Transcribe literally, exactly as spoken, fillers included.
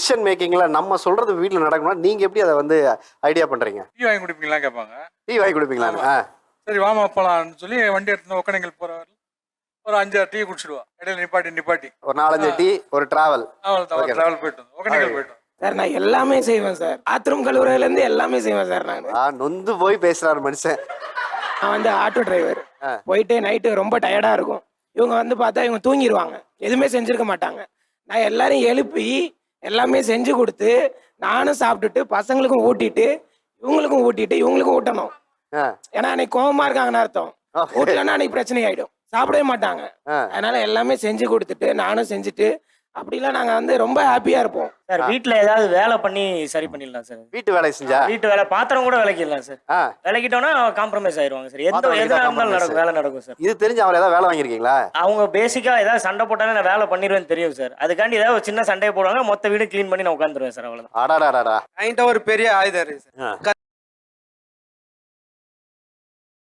Decision மேக்கிங்ல நம்ம சொல்றது வீட்டில் நடக்கணும்னா நீங்க எப்படி அதை வந்து ஐடியா பண்றீங்க? டீ வாங்கி குடிப்பீங்களா கேட்பாங்க. டீ வாங்கி கொடுப்பீங்களான்னு? ஆ சரி வாமா போலாம்னு சொல்லி வண்டி எடுத்து ஒக்கனைகள் போறவர் ஒரு அஞ்சாறு டீ குடிச்சிடுவா. இடையில நிப்பாட்டி நிப்பாட்டி ஒரு நாலஞ்சு டீ ஒரு டிராவல். அவள் டிராவல் போயிட்டு ஒக்கனைகள் போயிட்டோம் சார். நான் எல்லாமே செய்வேன் சார். பாத்ரூம் கழுவுறதுலேருந்து எல்லாமே செய்வேன் சார். நான் ஆ நொந்து போய் பேசுறாரு மனுஷன். நான் வந்து ஆட்டோ டிரைவர். போயிட்டு நைட்டு ரொம்ப டயர்டாக இருக்கும். இவங்க வந்து பார்த்தா இவங்க தூங்கிடுவாங்க, எதுவுமே செஞ்சுருக்க மாட்டாங்க. நான் எல்லாரையும் எழுப்பி எல்லாமே செஞ்சு கொடுத்து நானும் சாப்பிட்டுட்டு பசங்களுக்கும் ஊட்டிட்டு இவங்களுக்கும் ஊட்டிட்டு இவங்களுக்கும் ஊட்டணும். ஏன்னா அன்னைக்கு கோபமா இருக்காங்கன்னு அர்த்தம். ஊட்டலன்னா அன்னைக்கு பிரச்சனை ஆயிடும், சாப்பிடவே மாட்டாங்க. அதனால எல்லாமே செஞ்சு கொடுத்துட்டு நானும் செஞ்சுட்டு அப்படிலாம் நாங்கள் வந்து ரொம்ப ஹாப்பியாக இருப்போம் சார். வீட்டில் ஏதாவது வேலை பண்ணி சரி பண்ணிடலாம் சார். வீட்டு வேலை செஞ்சா வீட்டு வேலை பாத்திரம் கூட விளக்கிடலாம் சார். விளக்கிட்டோம்னா காம்ப்ரமைஸ் ஆயிடுவாங்க சார். எந்த எதுனா இருந்தாலும் நடக்கும், வேலை நடக்கும் சார். இது தெரிஞ்சு அவர் ஏதாவது வேலை வாங்கியிருக்கீங்களா? அவங்க பேசிக்கா ஏதாவது சண்டை போட்டாலும் நான் வேலை பண்ணிடுவேன்னு தெரியும் சார். அதுக்காண்டி ஏதாவது ஒரு சின்ன சண்டையை போடுவாங்க, மொத்த வீடு கிளீன் பண்ணி நான் உட்காந்துருவேன் சார். அவ்வளோதான். அடாடாடா என்கிட்ட ஒரு பெரிய ஆயுதம் இருக்கு சார்.